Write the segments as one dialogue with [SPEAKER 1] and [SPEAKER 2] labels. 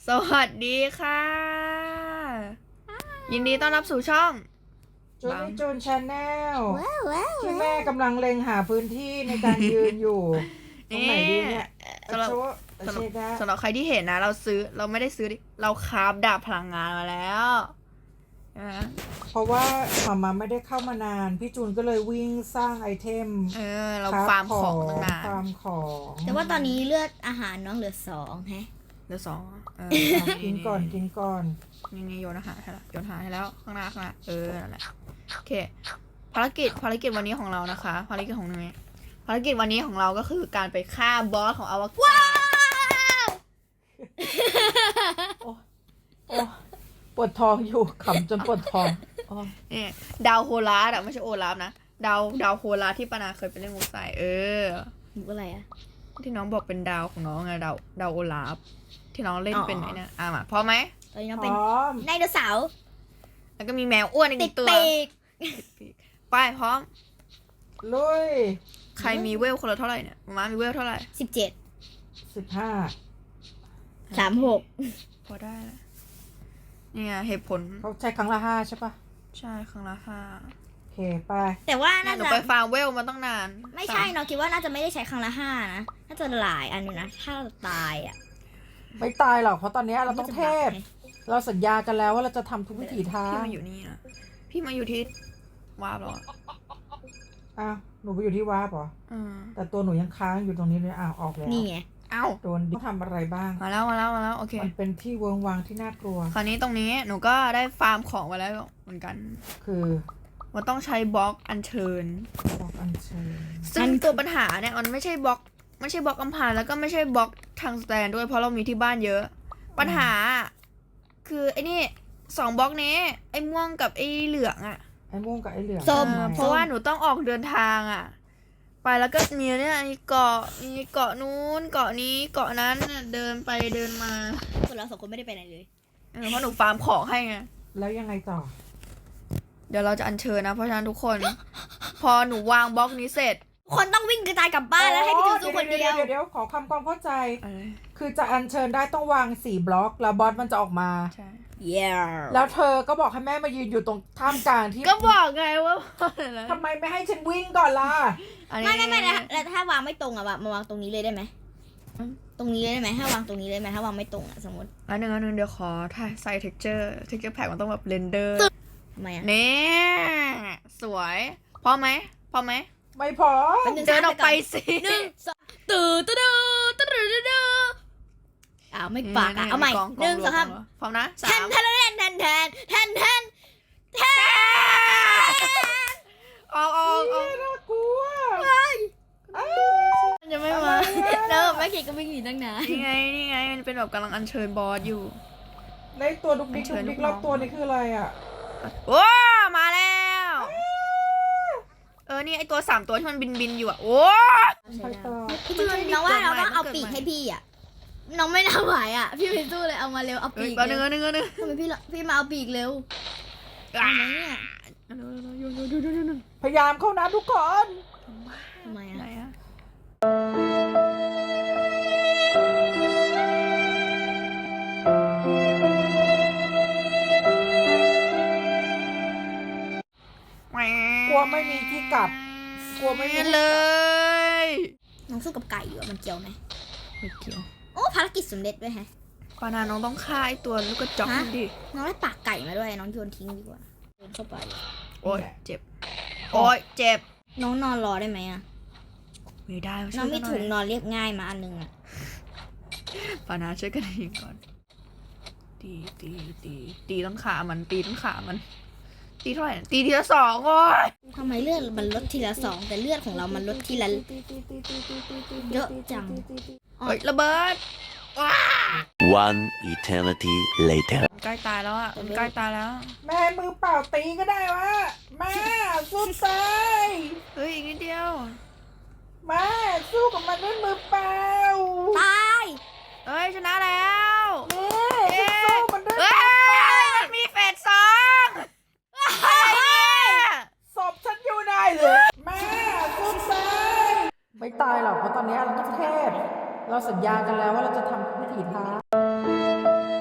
[SPEAKER 1] สวัสดีค่ะ ยินดีต้อนรับสู่ช่อง
[SPEAKER 2] จูนนี่จูนชาแนล
[SPEAKER 3] ว้าว
[SPEAKER 2] ที่แม่กำลังเล็งหาพื้นที่ในการยืนอยู่ ตรงไหนดีเนี่ย
[SPEAKER 1] สำหรับ
[SPEAKER 2] โชว์เชดา
[SPEAKER 1] สำหรับใครที่เห็นนะ เราไม่ได้ซื้อดิเราคราฟดาบพลังงานมาแล้วนะ
[SPEAKER 2] เพราะว่ามาไม่ได้เข้ามานาน พี่จูนก็เลยวิ่งสร้างไอเทม
[SPEAKER 1] เราฟาร์มของตั้งนาน
[SPEAKER 2] ฟาร์มของ
[SPEAKER 3] แต่ว่าตอนนี้เลือดอาหารน้องเหลือ2แฮะ
[SPEAKER 1] เหลือ2
[SPEAKER 2] กินก่อนกินก่อน
[SPEAKER 1] นี่โยนอาหารให้แล้วโยนอาหารให้แล้วข้างหน้านั่นแหละโอเคภารกิจวันนี้ของเรานะคะภารกิจของนี้ภารกิจวันนี้ของเราก็คือการไปฆ่าบอสของอวกาศ
[SPEAKER 2] โอ้ปวดท้องอยู่ขำจนปวดท้อง
[SPEAKER 1] นี่ดาวโฮลาร์อะไม่ใช่โอลาฟนะดาวโฮลาร์ที่ปานาเคยไปเล่นมุกใส่
[SPEAKER 3] หมูอะไรอะ
[SPEAKER 1] ที่น้องบอกเป็นดาวของน้องไงดาวโอลาฟที่น้องเล่นเป็นไอ้เนี่ยมาพร้อมไหม
[SPEAKER 3] ตอนนี้น้อง
[SPEAKER 2] พ
[SPEAKER 3] เป็น
[SPEAKER 2] ร้อม
[SPEAKER 3] ไดโนเสาร์
[SPEAKER 1] แล้วก็มีแมวอ้วนอีกห
[SPEAKER 3] ติ
[SPEAKER 1] นึ่
[SPEAKER 3] ด
[SPEAKER 1] งตัว
[SPEAKER 3] ปีก
[SPEAKER 1] ไปพร้อม
[SPEAKER 2] ลุย
[SPEAKER 1] ใครมีเวลคนละเท่าไหร่เนี่ยมามีเวลเท่าไหร่
[SPEAKER 3] 17 36
[SPEAKER 1] พอได้แล้วเนี่ยเหตุผล
[SPEAKER 2] เขาใช้ครั้งละ5ใช่ปะ
[SPEAKER 1] ใช่ครั้งละ5
[SPEAKER 2] โอเคไป
[SPEAKER 3] แต่ว่า
[SPEAKER 1] เนี่ย
[SPEAKER 3] น่า
[SPEAKER 1] หนู
[SPEAKER 3] จะ
[SPEAKER 1] ไปฟาร์มเวลมาตั้งนาน
[SPEAKER 3] ไม่ใช่น้องคิดว่าน่าจะไม่ได้ใช้ครั้งละ5นะน่าจะหลายอันอยู่นะถ้าเราตายอะ
[SPEAKER 2] ไม่ตายหรอกเพราะตอนนี้เราต้องเทพ เราสัญญากันแล้วว่าเราจะทำทุกวิถีทา
[SPEAKER 1] พี่
[SPEAKER 2] ง
[SPEAKER 1] มาอยู่นี่นะพี่มาอยู่ที่วาบหรอ
[SPEAKER 2] อ้าวหนูไปอยู่ที่วาร์ปเหรอ แต่ตัวหนูยังค้างอยู่ตรงนี้เลยอ้าวออกแล้ว
[SPEAKER 3] นี่ไง
[SPEAKER 1] เอ้า
[SPEAKER 2] โดนต้องทำอะไรบ้าง
[SPEAKER 1] มาแล้วโอเค
[SPEAKER 2] มันเป็นที่เวิงวางที่น่ากลัว
[SPEAKER 1] คราวนี้ตรงนี้หนูก็ได้ฟาร์มของไว้แล้วเหมือนกัน
[SPEAKER 2] คือ
[SPEAKER 1] มันต้องใช้บล็อกอัญเชิญ
[SPEAKER 2] บอกอัญเชิญ
[SPEAKER 1] ซึ่งตัวปัญหาเนี่ยมันไม่ใช่บล็อกอัมพานแล้วก็ไม่ใช่บล็อกทางสแตนด้วยเพราะเรามีที่บ้านเยอะ ปัญหา คือไอ้นี่2บล็อกนี้ไอ้ม่วงกับไอ้เหลืองอ่ะ
[SPEAKER 2] ไอ้ม่วงกับไอ้เหลือง
[SPEAKER 3] ส้ม
[SPEAKER 2] ทำไ
[SPEAKER 1] เพราะว่าหนูต้องออกเดินทางอ่ะ ไปแล้วก็มีเนี่ยมีเกาะนู้นเกาะนี้เกาะนั้นเนี่ยเดินไปเดินมา
[SPEAKER 3] ส่วนเรา2คนไม่ได้ไปไหนเลย
[SPEAKER 1] เพราะหนูฟาร์มของให้ไง
[SPEAKER 2] แล้วยังไงต่อ
[SPEAKER 1] เดี๋ยวเราจะอัญเชิญนะเพราะฉะนั้นทุกคน พอหนูวางบล็อกนี้เสร็จ
[SPEAKER 3] คนต้องวิ่งกระจายกลับบ้านแล้วให้พี่จูนสู้คนเดียว
[SPEAKER 2] เดี๋ยวขอความเข้าใจ คือจะอัญเชิญได้ต้องวาง4บล็อกแล้วบอสมันจะออกมา
[SPEAKER 1] ใช่
[SPEAKER 2] แล้วเธอก็บอกให้แม่มายืนอยู่ตรงท่ามกลางที่
[SPEAKER 1] ก็บอกไงว่า
[SPEAKER 2] ทำไมไม่ให้ฉันวิ่งก่อนล่ะ
[SPEAKER 3] ไม่แล้วถ้าวางไม่ตรงอะมาวางตรงนี้เลยได้ไหมตรงนี้เลยได้ไหมถ้าวางตรงนี้เลยไหมถ้าวางไม่ตรงอะสมมติ
[SPEAKER 1] อันหนึ่งเดี๋ยวขอถ่ายใส่ texture pack มันต้องแบบเรนเดอร์
[SPEAKER 3] ทำไมอะ
[SPEAKER 1] นี่สวยพร้อมไหม
[SPEAKER 2] ไม่พอ
[SPEAKER 1] เดินออกไปสิ
[SPEAKER 3] 1 2ตื่นอ้าวไม่ปากอะเอาใหม่1 2 3
[SPEAKER 1] พร้อมนะ
[SPEAKER 3] แทน
[SPEAKER 1] ออก
[SPEAKER 2] น่ากลัว
[SPEAKER 1] มันจะไม่มา
[SPEAKER 3] เริ่มแม่เกดก็วิ่งหนีตั้งนาน
[SPEAKER 1] นี่ไงมันเป็นแบบกำลังอัญเชิญบอสอยู่
[SPEAKER 2] ในตัวดุกดิกรอบตัวนี่คืออะไรอ่ะ
[SPEAKER 1] โอ้มาแล้วนี่ไอตัว3ตัวที่มันบินอยู่อ่ะโอ้
[SPEAKER 2] ไปต่อ
[SPEAKER 3] พี่จูนน้องว่าเราต้องเอาปีกให้พี่อะน้องไม่น่าไหวอะพี่ไปสู้เลยเอามาเร็วเอาปีก
[SPEAKER 1] แป๊บนึง
[SPEAKER 3] ทำไมพี่มาเอาปีกเร็วทำไมเนี่ย
[SPEAKER 2] พยายามเข้านะทุกคน
[SPEAKER 3] ทำไม
[SPEAKER 1] ไหน
[SPEAKER 3] อะ
[SPEAKER 1] อะ
[SPEAKER 2] กลัวไม่มีที่กลับ กลัวไม่มี
[SPEAKER 1] เลย
[SPEAKER 3] น้องสู้กับไก่อยู่อะมันเกี่ยวไหม
[SPEAKER 1] ไม่เกี่ยว
[SPEAKER 3] โอ้ภารกิจสำเร็จด้วยแฮะ
[SPEAKER 1] ปานาน้องต้องฆ่าไอตัวลูกกระจอกนั่นดิ
[SPEAKER 3] น้องได้ปากไก่มาด้วยน้องโยนทิ้งดีกว่าโยนเข้าไป
[SPEAKER 1] โอ้ยเจ็บโอ้ยเจ็บ
[SPEAKER 3] น้องนอนรอได้ไหมอะ
[SPEAKER 1] ไม่ได้
[SPEAKER 3] น้องมีถุงนอนเรียบง่ายมาอันนึงอะ
[SPEAKER 1] ปานาช่วยกันยิงก่อนตีต้องขามันตีเท่าไหร่ตีทีละ2โอ้ย
[SPEAKER 3] ทำไมเลือดมันลดทีละ2แต่เลือดของเรามันลดทีละเยอะจัง
[SPEAKER 1] เฮ้ยระเบิดว้า
[SPEAKER 4] One eternity later.
[SPEAKER 1] ใกล้ตายแล้วอ่ะใกล้ตายแล้ว
[SPEAKER 2] แม่มือเปล่าตีก็ได้วะแม่สู้ตาย
[SPEAKER 1] เฮ้ยอีกนิดเดียว
[SPEAKER 2] แม่สู้กับมันด้วยมือเปล่า
[SPEAKER 3] ตาย
[SPEAKER 1] เฮ้ยชนะแล้ว
[SPEAKER 2] แม่สู้มันด้วย
[SPEAKER 1] เฮ้ยมันมีเฟส2
[SPEAKER 2] ศพฉันอยู่ไหนเลยแม่สู้ตายไม่ตายหรอกเพราะตอนนี้เราต้องเทพ เราสัญญากันแล้วว่าเราจะทำทุกวิถีทาง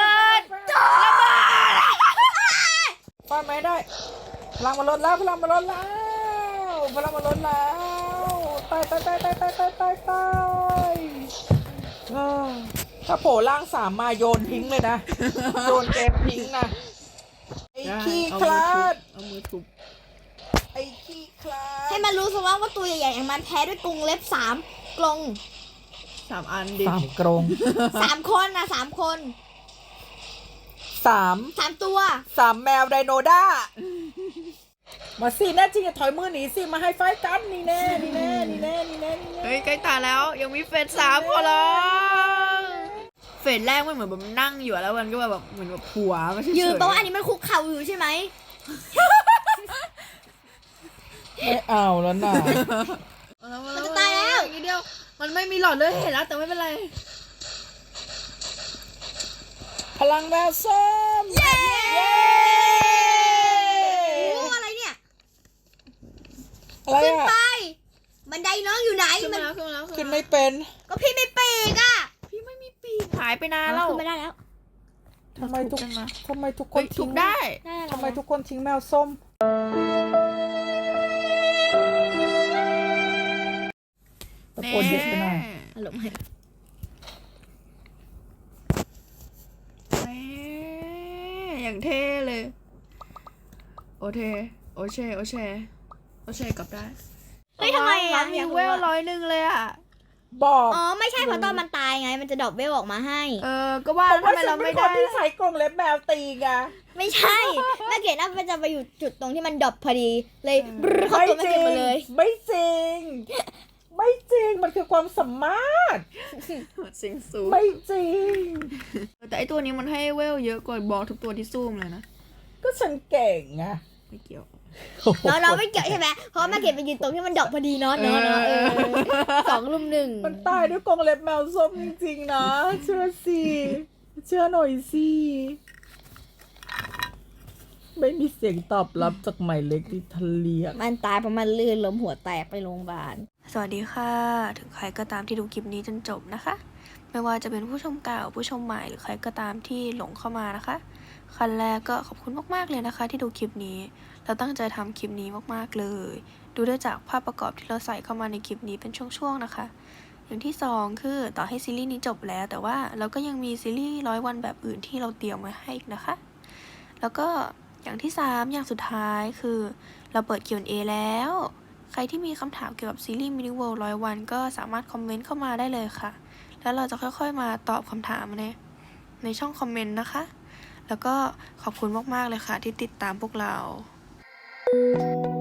[SPEAKER 1] บิด
[SPEAKER 2] ฟาดไม่ได้พลังมันลดแล้วพลังมันลดแล้วพลังมันลดแล้วตายเออถ้าโผล่ร่าง3มาโยนทิ้งเลยนะ โยนเกมทิ้งนะไอ้ขี้คลาด
[SPEAKER 1] เอามือทุบ
[SPEAKER 2] ไอ้ขี้คลาด
[SPEAKER 3] ให้มันรู้ซะว่าตัวใหญ่ๆอย่างมันแพ้ด้วยกรงเล็บ3 กรง
[SPEAKER 1] 3 อันดิ
[SPEAKER 2] 3 กรง
[SPEAKER 3] 3 คนนะ3 คน
[SPEAKER 2] 3
[SPEAKER 3] ตัว
[SPEAKER 2] 3 แมวไดโนด้ามาสิแน่จริงอย่าถอยมือหนีสิมาให้ไฟกันนี่แน่
[SPEAKER 1] เฮ้ยใกล้ตายแล้วยังมีเฟส3พอแล้วเฟสแรกมันเหมือนแบบนั่งอยู่แล้วมันก็แบบเหมือนแบบหัวไม่ใช่
[SPEAKER 3] ยืนแปลว่าอันนี้มันคุกเข่าอยู่ใช่ไหม
[SPEAKER 2] ไม่เอาแล้วน่ะ
[SPEAKER 3] มันจะตายแล้ว
[SPEAKER 1] อีกนิดเดียวมันไม่มีหลอดเลือดเห็นแล้วแต่ไม่เป็นไร
[SPEAKER 2] พลังแมวส้ม
[SPEAKER 3] เย้
[SPEAKER 2] เย้
[SPEAKER 3] โอ้อะไรเนี่ย
[SPEAKER 2] อะไร
[SPEAKER 3] ขึ้น
[SPEAKER 2] อ่ะ
[SPEAKER 3] ไป บันไดน้องอยู่ไหน
[SPEAKER 1] ขึ้น
[SPEAKER 3] มั
[SPEAKER 1] มาน แล้วขึ้นมาแล้ว
[SPEAKER 2] ขึ้นไม่เป็น
[SPEAKER 3] ก็พี่ไม่ปีกอ่ะ
[SPEAKER 1] พี่ไม่มีปีกหายไปนานแล้ว
[SPEAKER 3] ขึ้นไม่ได้แล้ว
[SPEAKER 2] ทำไมทุก
[SPEAKER 1] ถูกันมา
[SPEAKER 2] ทำไมทุกค
[SPEAKER 1] เฮ้
[SPEAKER 2] น
[SPEAKER 1] ยถู
[SPEAKER 2] ทิ้ง
[SPEAKER 1] กได้
[SPEAKER 2] ทำไมทุกคนทิ้งแมวส้มตะโกนเยอะไปหน่อย
[SPEAKER 3] อารมณ์ให้
[SPEAKER 1] แม่อย่างเท่เลย โอเทโอเชกลับได้
[SPEAKER 3] เฮ้ยทำไม
[SPEAKER 1] ร้า
[SPEAKER 3] อ่ะ
[SPEAKER 1] นมีเวล100เลยอ่ะ
[SPEAKER 2] บอก
[SPEAKER 3] อ๋อไม่ใช่เพราะตอนมันตายไง มันจะดรอปเวลออกมาให้
[SPEAKER 1] ก็ว่า
[SPEAKER 2] ผ
[SPEAKER 1] แล้ว
[SPEAKER 2] ม
[SPEAKER 1] ทำ
[SPEAKER 2] ว่า
[SPEAKER 1] ไม
[SPEAKER 2] ฉั
[SPEAKER 1] เรา
[SPEAKER 2] นเป็
[SPEAKER 1] ไม่
[SPEAKER 2] นคน
[SPEAKER 1] ได้
[SPEAKER 2] ที่ใส่กรงเล็บแมวตีไง
[SPEAKER 3] ไม่ใช่แม่เกดน่าจะไปอยู่จุดตรงที่มันดรอปพอดี เลยบรึ๊เข้าตัวแม่เกดมาเลย
[SPEAKER 2] ไม่จริง มันคือความสามารถ
[SPEAKER 1] สิงสู
[SPEAKER 2] ไม่จริง
[SPEAKER 1] แต่ไอตัวนี้มันให้เวลเยอะกว่าบอลทุกตัวที่ซูมเลยนะ
[SPEAKER 2] ก็ฉันเก่งไง
[SPEAKER 1] ไม่เกี่ยว
[SPEAKER 3] น้องไม่เกี่ยวใช่ไหมเพราะแม่เกดไปยืนตรงที่มันดรอปพอดีเนาะ2 ลุม 1
[SPEAKER 2] มันตายด้วยกรงเล็บแมวส้มจริงๆนะ เชื่อสิ เชื่อหน่อยสิ ไม่มีเสียงตอบรับจากหมายเล็กที่ทะเลียก
[SPEAKER 3] มันตายเพราะมันลื่นล้มหัวแตกไปโรงพยาบาล
[SPEAKER 1] สวัสดีค่ะ ถึงใครก็ตามที่ดูคลิปนี้จนจบนะคะ ไม่ว่าจะเป็นผู้ชมเก่าผู้ชมใหม่หรือใครก็ตามที่หลงเข้ามานะคะขั้นแรกก็ขอบคุณมากๆเลยนะคะ ที่ดูคลิปนี้เราตั้งใจทำคลิปนี้มากๆเลย ดูได้จากภาพประกอบที่เราใส่เข้ามาในคลิปนี้เป็นช่วงๆนะคะ อย่างที่สองคือต่อให้ซีรีส์นี้จบแล้ว แต่ว่าเราก็ยังมีซีรีส์100 วันแบบอื่นที่เราเตรียมไว้ให้อีกนะคะ แล้วก็อย่างที่3อย่างสุดท้ายคือเราเปิด Q&A แล้ว ใครที่มีคำถามเกี่ยวกับซีรีส์ Mini World 100 วันก็สามารถคอมเมนต์เข้ามาได้เลยค่ะ แล้วเราจะค่อยๆมาตอบคำถามในช่องคอมเมนต์นะคะ แล้วก็ขอบคุณมากๆเลยค่ะที่ติดตามพวกเรา